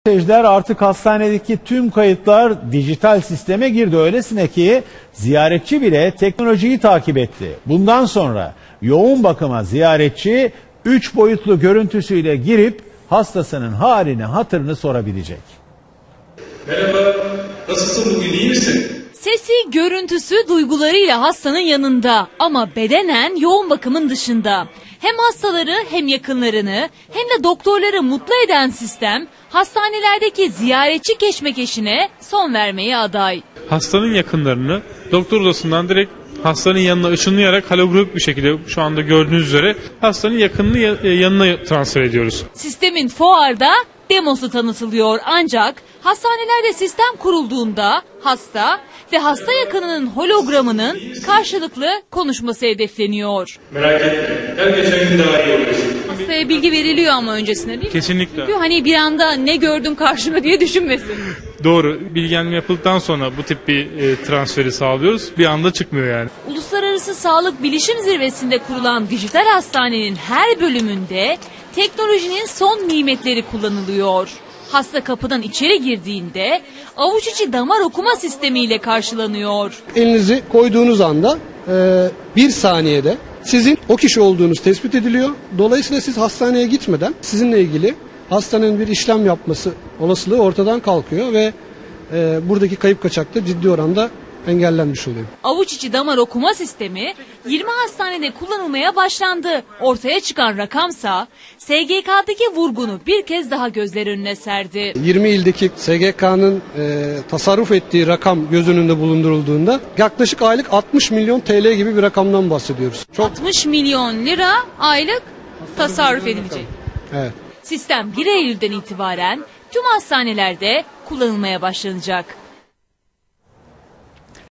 Seyirciler, artık hastanedeki tüm kayıtlar dijital sisteme girdi. Öylesine ki ziyaretçi bile teknolojiyi takip etti. Bundan sonra yoğun bakıma ziyaretçi 3 boyutlu görüntüsüyle girip hastasının halini, hatırını sorabilecek. Merhaba, nasılsın, bugün iyi misin? Sesi, görüntüsü, duygularıyla hastanın yanında ama bedenen yoğun bakımın dışında. Hem hastaları hem yakınlarını hem de doktorları mutlu eden sistem hastanelerdeki ziyaretçi keşmekeşine son vermeye aday. Hastanın yakınlarını doktor odasından direkt hastanın yanına ışınlayarak holografik bir şekilde şu anda gördüğünüz üzere hastanın yakınını yanına transfer ediyoruz. Sistemin fuarda demosu tanıtılıyor, ancak hastanelerde sistem kurulduğunda hasta ve hasta yakınının hologramının karşılıklı konuşması hedefleniyor. Merak etme, her geçen gün daha iyi oluyorsun. Hastaya bilgi veriliyor ama öncesinde, değil mi? Kesinlikle. Çünkü hani bir anda ne gördüm karşıma diye düşünmesin. Doğru. Bilgilendirme yapıldıktan sonra bu tip bir transferi sağlıyoruz. Bir anda çıkmıyor yani. Uluslararası Sağlık Bilişim Zirvesi'nde kurulan dijital hastanenin her bölümünde teknolojinin son nimetleri kullanılıyor. Hasta kapıdan içeri girdiğinde avuç içi damar okuma sistemiyle karşılanıyor. Elinizi koyduğunuz anda bir saniyede sizin o kişi olduğunuz tespit ediliyor. Dolayısıyla siz hastaneye gitmeden sizinle ilgili hastanın bir işlem yapması olasılığı ortadan kalkıyor ve buradaki kayıp kaçak da ciddi oranda engellenmiş oluyor. Avuç içi damar okuma sistemi 20 hastanede kullanılmaya başlandı. Ortaya çıkan rakamsa SGK'daki vurgunu bir kez daha gözler önüne serdi. 20 ildeki SGK'nın tasarruf ettiği rakam göz önünde bulundurulduğunda yaklaşık aylık 60 milyon TL gibi bir rakamdan bahsediyoruz. 60 milyon lira aylık tasarruf edilecek. Evet. Sistem 1 Eylül'den itibaren tüm hastanelerde kullanılmaya başlanacak.